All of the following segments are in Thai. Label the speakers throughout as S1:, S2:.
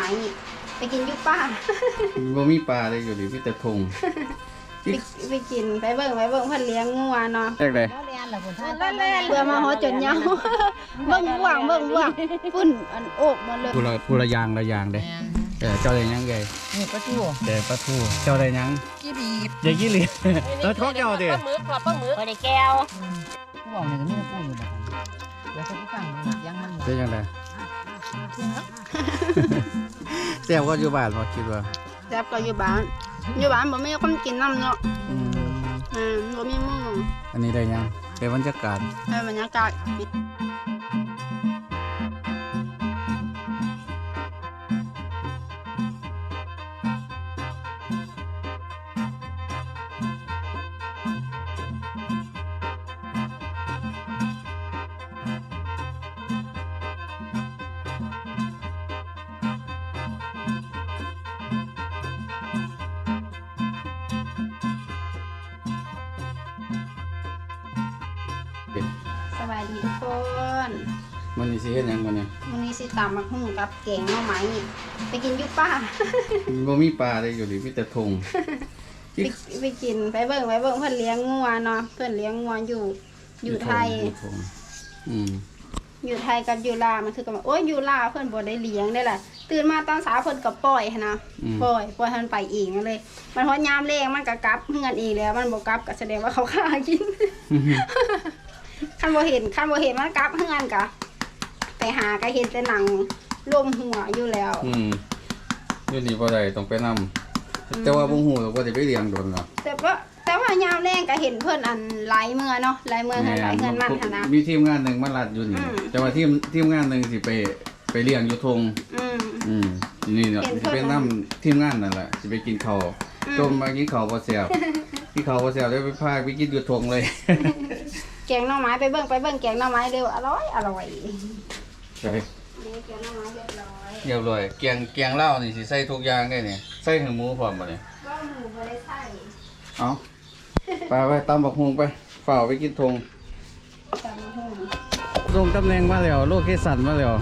S1: นี่ไปกินยุป้า
S2: บ่มีปลาเลยอยู่ดิมีแต่ทง
S1: ไปกินไปเบิ่งเพิ่นเลี้ยงงัวเนาะ
S2: แรกเลย
S3: แล้วเรียนล่ะพุ่นท่าน
S1: เพื่อมาฮอดจนเหงาเบิ่งบ่วงปุ้นอันโอกหมดเลย
S2: ผู้ละอย่างละอย่างเด้เจ้าได้ยังไง
S3: นี่ปลาทู
S2: แต่ปลาทูเจ้าได้ยัง
S3: กี่บีบ
S2: อย่ากี้เหลียแล้วท้องเจ้าดิ
S4: ปลาหมึกครับปลาหมึกไปในแก้ว
S3: กูบอกนี่ก็มีปูอยู่บ่เดี๋ยวจะกูฟังยังมัน
S2: เป็นยังไงแซ่บก็อยู่บ้านบ่คิดว่า
S1: แซ่บก็อยู่บ้านบ่มีคนกินน้ำเนาะบ่มีหมู่
S2: อันนี้ได้ยังเป็นบรรยากาศ
S1: บรรยากาศสบายดีทุกคน
S2: มันนี่สิเฮ็ดหยังมื้อนี้
S1: วันนี้สิตำบักหุ่งกับแกงหน่อไม้นี่ไปกินยุป้า
S2: บ่มีปลาเลยอยู่ดิมีแต่ทง
S1: ไปกินไปเบิ่งเพิ่นเลี้ยงงัวเนาะเพิ่นเลี้ยงงัวอยู่ไทย อยู่ไทยกับอยู่ลาวมันคือกันว่าโอ้ยอยู่ลาวเพิ่นบ่ได้เลี้ยงได้ล่ะตื่นมาตอนเช้าเพิ่นก็ปล่อยหั้นนะปล่อยให้มันไปเองเลยมันฮอดยามแลงมันก็กลับเฮือนเองแล้วมันบ่กลับก็แสดงว่าเขาฆ่ากิน คันบ่เห็นมันกลับเฮือนก็ไปหาก็เห็นแต่หนังรวมหัวอยู่แล้ว
S2: อยู่นี่บ่ได้ต้องไปนำแต่ว่าบ่ฮู้ว่าสิไปเลี้ยงโดนเนาะ
S1: แต่ว่ายามแรงก็เห็นเพิ่นอันหลายเมื่อเนาะหลายเมื่อหลายเงินมันหั่นนะ
S2: มีทีมงานหนึงมาลัดอยู่นี่แต่ว่าทีมงานหนึงสิไปเลี้ยงอยู่ทงนี่เนาะสิไปนำทีมงานนั่นแหละสิไปกินข้าวต้มมากินข้าวบ่แซ่บกินข้าวบ่แซ่บได้ไปพาไปกินอยู่ทงเลย
S1: แกงหน่อไม้ไปเบิ่งแกงหน่อไม้เร็วอร่อย
S2: ใช่
S1: นี่แกงหน่อไม้เรียบร้อย
S2: เรียบร้อยแกงลาวนี่สิใส่ทุกอย่างได้นี่ใส่ถึงหมูพร้อมบ่นี่
S1: ก็หมูบ่ได้ใส่
S2: เอาไปตำบักฮุงไปฝ่าไปกินทง
S1: ตำบักหุ่ง
S2: ลงตำแหน่งมาแล้วโลเคชั่นมาแล้ว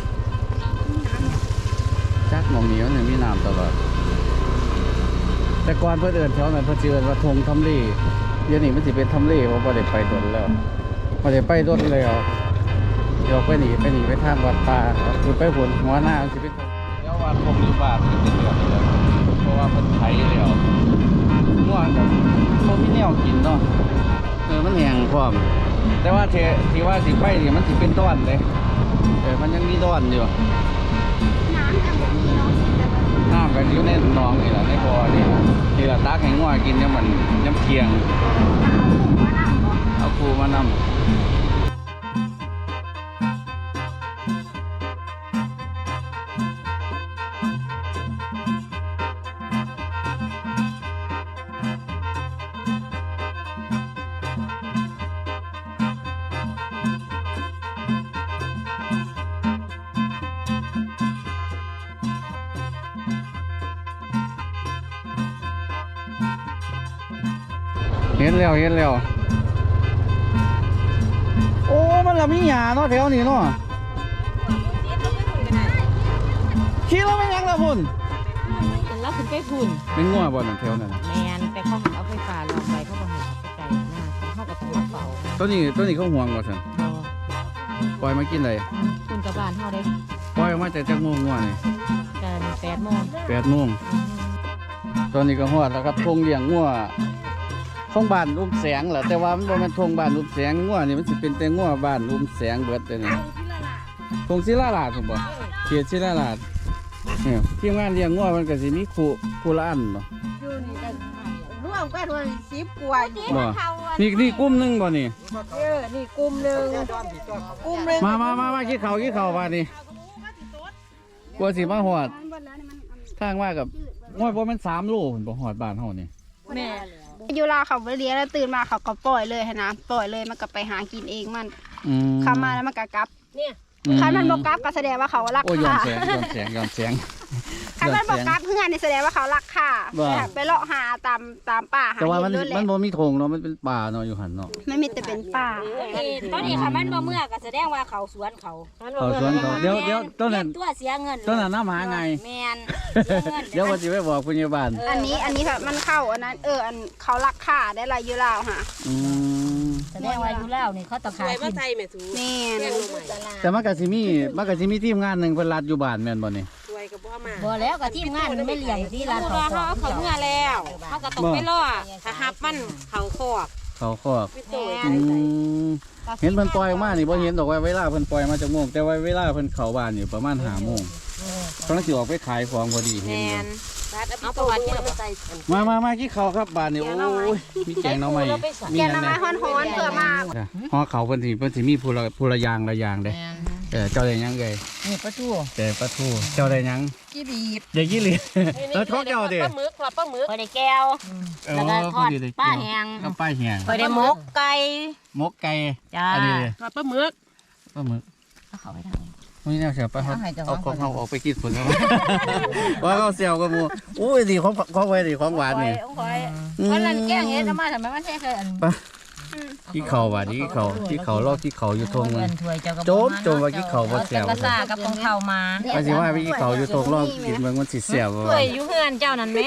S2: จักหม่องนี้มันมีน้ำตลอดแต่ก่อนเพิ่นเอิ้นแถวนั้นเพิ่นสิเอิ้นว่าทงทำเลเดี๋ยวนี้มันสิเป็นทำเลเพราะบ่ได้ไปโดนแล้วบ่ได้ไปโดนแล้วเดี๋ยวไปหนีไปทางวัดป่าคือไปผลหัวหน้ามันสิเป็นแล้วว่าคงอยู่บ้านมันเป็นเดือนนี่แหละเพราะว่าเพิ่นไถแล้วม่วงกับบ่มีแนวกินเนาะมันแห้งพร้อมแต่ว่าที่ว่าสิไปนี่มันสิเป็นต้อนเลยมันยังมีต้อนอยู่
S1: น้ำแต่บ่มีเนาะ
S2: น้ำกันอยู่ในหนองนี่แหละในบ่อนี่แหละที่เราตักให้งัวกินเนี่ยมันน้ำเคียงเอาครูมานำเห็นแล้วโอ้มันละมีหญ้าเนาะแถวนี้เนาะขี่แล้วไม่ยังละพุ่น
S4: แล้วถึงไปพุ่น
S2: เป็นงัวบ่นั่นแถวนั้น
S4: แมนไปเข้าหันเอาไฟฟ้าลองไปเข้ามาเห็นไกลหน้าเข้ากับต้องมาเป่า
S2: ตัวนี้เขาห่วงบ่ซั่นปล่อยมากินได้
S4: คุณกับบ้านเท่าได้
S2: ปล่อยออกมาจากจักโมงงัวนี่
S4: กัน8 โมง
S2: 8 โมงตอนนี้ก็ฮอดแล้วครับทงเลี้ยงงัวของบ้านอุ้มแสงแหละแต่ว่ามันบ่แม่นทงบ้านอุ้มแสงงัวนี่มันสิเป็นแต่งัวบ้านอุ้มแสงเบิดเลยนี่ทงศิลาลาดผมบ่เขตศิลาลาดเนี่ยทีมงานเลี้ยงงัวมันก็สิมีคู่ละอันเนาะ
S3: อยู่นี่กันร่วมกันว่า10กว่าอยู่
S2: บ่นี่กลุ่มหนึงบ่นี่
S3: นี่กลุ่มนึง
S2: มากินข้าวบ้านนี่กลัวสิมาฮอดทางมากับงัวบ่แม่น3 โลพุ่นบ่ฮอดบ้านเฮานี่
S4: แม่
S1: อยู่ลาวเขาบ่เลี้ยงแล้วตื่นมาเขาก็ปล่อยเลยหั้นนะปล่อยเลยมันก็ไปหากินเองมันเข้ามาแล้วมันก็กลับ
S4: เนี่ย
S1: คันมันบ่กลับก็แสดงว่าเขารัก
S2: โอ้ยย้อน
S1: ษา
S2: แสง
S1: คันมันบอกกลับเพื่อนนี่แสดงว่าเขารักค่าไปเลาะหาตามป่าหา
S2: แต่ว่ามัน
S1: เห็ด
S2: มัน
S1: เลย
S2: บ่มีธงเนาะมันเป็นป่าเนาะอยู่หันเนาะ
S1: ไม่มีแต่เป็นป่า
S5: ตอนนี้ค่ะมันบ่เมื่อก็แสดงว่าเขาสวนเขา
S2: เขาสวนเขาเดี๋ยวต้นนั้น
S5: ตัวเสียเงิน
S2: ต้นนั้นน้ำหาไง
S5: แม่นเสียเงิน
S2: เดี๋ยวว่าสิไปบอกพยาบาล
S1: อันนี้ค่ะมันเข้าอันนั้นอันเขารักค่าได้ลายอยู่ลาวค่ะ
S2: อืม
S5: แสดงว่าอยู่แล้วนี่เขาต้อง
S6: ส
S5: ขาย
S6: วยมา
S5: กิน
S6: ไทยแม่สู
S1: แม่
S6: แม่ง
S1: น
S6: ลงใหม่
S2: แต่มันก็สิมีทีมงานหนึงเพิ่นรัดอยู่บ้านแม่นบ่นี่
S6: สวยกับพ่อมา
S5: บ่แล้วก็ทีมงานไม่เลี้ยงที่ร้าน
S6: เพ
S5: เขา
S6: ราะว่าเขาเมื่อแล้วเขาก็ต้องไปล่อถ้าหับมันเขาคอก
S2: เขาครอบ
S6: พี่โตย
S2: อืมเห็นเพิ่นปล่อยออกมานี่บ่เห็นดอกว่าเวลาเพิ่นปล่อยมาจากโมงแต่ว่าเวลาเพิ่นเข้าบ้านนี่ประมาณ5โมงกำลังสิออกไปขายของพอดีเห็
S6: แม
S2: นอยู่
S6: นรัดเอาประวัติเราไปใส่
S2: มากี่เขาครับบ้านนี่โอ้ยมีแกงหน่อไม้มี
S1: แก
S2: ห
S1: น
S2: ยัง
S1: น้ำไม้
S2: แหน่
S1: ฮ้อนๆเพื่อมา
S2: ฮอเขาเพิ่นสิมีผู้ละอย่างละอย่างเด้เจ้าได้หยังเอ้ย
S3: นี่ประตู
S2: แต่ปลาทูเจ้าได้หยัง
S3: กี่บีบ
S2: อย่ายี่หลีแล้วท้องเจ้าดิ
S6: ปลาหมึกปลาหมึก
S5: ไปได้แก้ว แล้วก็ทอดป้าแห้ง
S2: กับป้าแหง
S5: ไปได้หมกไก่
S2: มกไก่
S5: จ้า
S2: อันนี้
S6: ปลาหมึก
S2: ปลาหมึก
S5: เอาเขาไปทางนี้
S2: ไม่น่าเสียป้าเอาของเขาออกไปกินผลแล้วว่าเขาเสียวกับหมูอุ้ยดีของไว้ดีของหวานนี่
S5: วันนั้นแกงเฮ็ดเอามาทำไมมันแท้เคยอัน
S2: ที่เขาว่าที่เขาลอกที่เขาอยู่ทงมัน
S5: ถ้วยเจ้าก็
S2: โจมว่าที่เขาบ่แซ่บ
S5: กระซ่ากับของเขามา
S2: ว่าสิว่าที่เขาอยู่ทงลอกกินมันสิแซ่บ
S5: ถ้วยอยู่เฮือนเจ้านั่นแม่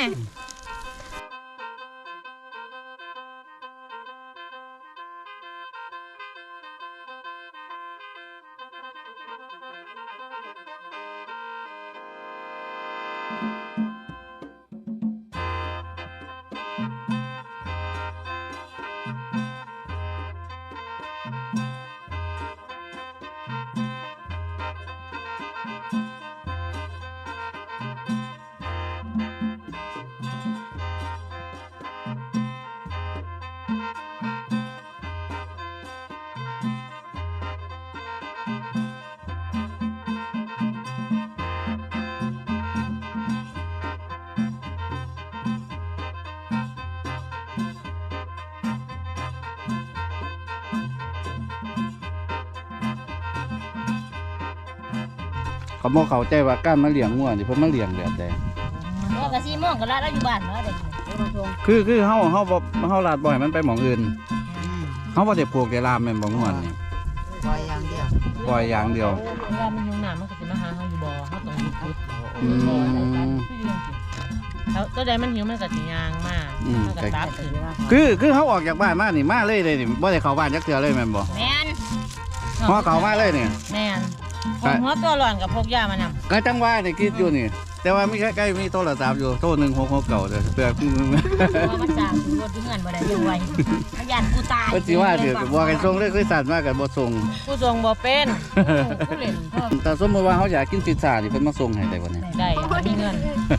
S2: เขาบอกเขาใจว่าการมาเลี้ยงงัวนี่เพิ่นมาเลี้ยงแบบใด
S5: ก็กะ4โมงก็ละแล้วอยู่บ้านเนาะเด็ก
S2: คือเฮาลาดบ่อยมันไปหม่องอื่นเฮาบ่ได้ปลูกได้ลามแม่นบ่งัวนี่
S3: ปล่อยอย่างเดียว
S2: ปล่อยอย่างเดียว
S4: เวลามันยุ่งหนามันก็สิมาหาเฮาอยู่บ่เฮาต้องหยุด
S2: อืม
S4: แล้วตัวใดมันหิวมันก็สิย่างมามันก็ตับขึ้น
S2: คือเขาออกจากบ้านมานี่มาเลยนี่บ่ได้เข้าบ้านจักเทื่อเลยแม่นบ่
S5: แม่น
S2: พอเข้ามาเลยนี่
S4: แม่นผมหัวตัวร้อนกับพกยามานำ
S2: ก็จังว่านี่คิดอยู่นี่ แต่ว่ามีใกล้ๆมีโทรศัพท์อยู่โทร1669เด้อเพื่อ
S5: เพราะมันสร้างรถอยู่เฮือนบ่ได้อยู่ไว้มันย่านกูตาย
S2: เพิ่นสิว่าเด้อบ่ให้ส่งเลยคือสั่นมาก็บ่ส่ง
S4: ผู้ทรงบ่เป็นผู้เล่นเพิ่ม
S2: แต่สมมุติว่าเขาอยากกินพิซซ่านี่เพิ่นมาส่งให้ได้บ่เนี่ย
S4: ได้มีเงิน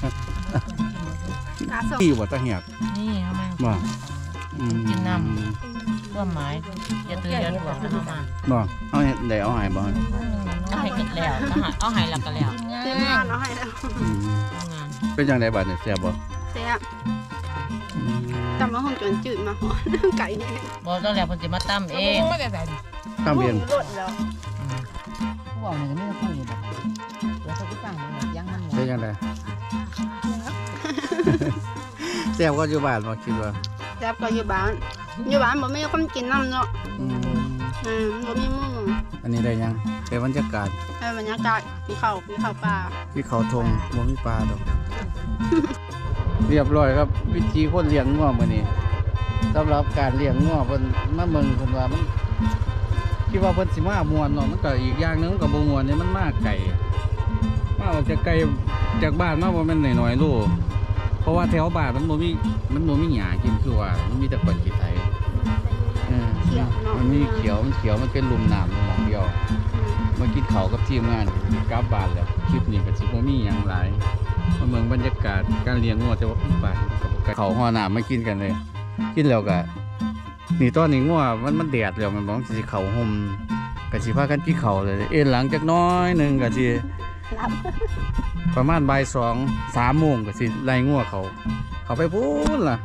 S1: กาส่ง
S2: ที่บ่ตะเหียบ
S4: นี่เฮามา
S2: บ่อืม
S4: กินน้ำ ความหมายอย่าตื่นอย่าถ่วงเข้ามา
S2: บ่เอาเฮ็ดได้เอาให้บ่
S4: ก็ให้กินแล้วก็ให้เอาให้แล้วก็แล้ว
S1: เต็มงานเอาให้แล้ว
S2: อืม
S4: ทำงาน
S2: เป็นจังไดบัดนี่แซ่บบ่
S1: แซ่บจำมาห้องจนจืดมาหอนไก่นี่
S4: บอกตอนแรกเพิ่นสิมาตำเอง
S2: ตามเอง
S1: รสแล้ว
S3: ผู้บอกเนี่ยก็ไม่ได้พูดอยู่แบบแล้วเขาก็ฟังมันยังมันหมด
S2: เป็นจังไดแซ่บก็อยู่บ้านบ่คิดว่า
S1: แซ่บก็อยู่บ้านบ่มีคนกินน้ำเนาะ
S2: อืม
S1: บ่มีหมู่
S2: อันนี้ได้ยังเป็นบรรยากาศ
S1: ให้บรรยากาศมีข้าวปลา
S2: ที่เขาทงบ่มีปลาดอก เรียบร้อยครับ วิธีคนเลี้ยงงัวมื้อนี้สำหรับการเลี้ยงงัวเพิ่นมาเมืองเพิ่นว่ามันคิดว่าเพิ่นสิมาม่วนเนาะมันก็อีกอย่างหนึงมันก็บ่ม่วนนี่มันมาไกลมาออกจากไกลจากบ้านมาบ่แม่นน้อยๆโลเพราะว่าแถวบ้านมันบ่มีหญ้ากินคือว่ามันมีแต่ก้อนขี้ไถ
S1: เขียวเนาะ
S2: มันมีเขียวมันเป็นลุ่มน้ำหมองเดียวมากินเขาวกับทีมงานกลับบ้านแล้วคลิปนี้ก็สิบ่มีหยังหลายมาเมืองบรรยากาศการเลี้ยงงัวแต่ว่าบ้านเขาห่อน้ำมากินกันเลย กินแล้วก็นี่ตอนนี้งัวมันแดดแล้วมันบอกสิเขาห่มก็สิพากันกินเขาวเลยเอ็นหลังจักหน้อยหนึงก็สิประมาณบ่าย2 3โมงก็สิไล่งัวเขาไปพูนล่ะ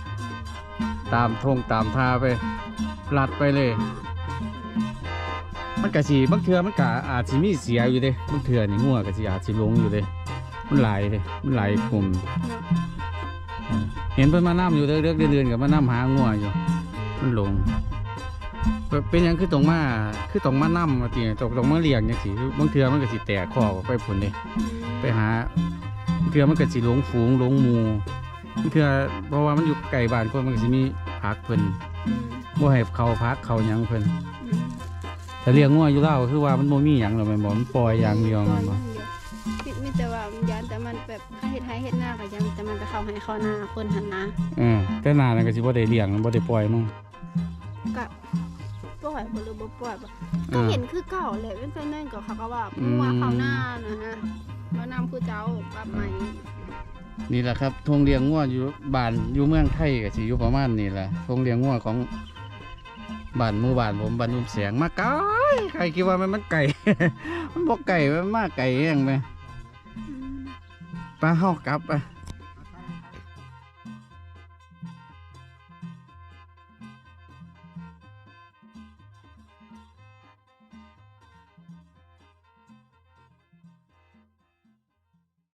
S2: ตามทงตามทาไปลัดไปเลยมันก็สิบางเทื่อมันก็อาจสิมีเสียอยู่เด้บางเทื่อนี่งัวก็สิอาจสิหลงอยู่เด้มันหลายเด้มันหลายกลุ่มเห็นเพิ่นมานํอยู่เดือนๆก็มานํหางัวอยู่มันหลงเป็นหยังคือต้องมานํว่าติต้องมาเลี้ยงจังซี่บางเทื่อมันก็สิแตกคอกออกไปพุ่นเด้ไปหาบางเทื่อมันก็สิหลงฝูงหลงหมู่บางเทื่อเพราะว่ามันอยู่ใกล้บ้านคนมันก็สิมีผักเพิ่นบ่ให้เขาพักเขาหยังเพิ่นแต่เลี้ยงงัวอยู่แล้วก็คือว่ามันบ่มีหยังหรอกแม่นบ่มันปล่อยอย่างเดียวแม่นบ่
S1: มีแต่ว่ามันยันแต่มันแบบเฮ็ดให้เฮ็ดหน้าก็ยันแต่มันไปเข้าให้เข้าหน้าคนหันนะ
S2: แต่นานนั้นก็สิบ่ได้เลี้ยงบ่ได้ปล่อยมั้ง
S1: ก็ปล่อยบ่หรือบ่ปล่อยบ่ก็เห็นคือเก่าแหละเป็นนั่นก็เขาก็ว่ามัวเข้าหน้านะฮะมานำผู้เจ้าปรับใหม่
S2: นี่แหละครับทงเลี้ยงงัวอยู่บ้านอยู่เมืองไทยก็สิอยู่ประมาณนี้แหละทงเลี้ยงงัวของบ้านหมู่บ้านผมบ้านนุ่มแสงมาไกลใครคิดว่ามันไก่ มันบ่ไก่มันมาไก่แฮงไปไปเฮากลับไป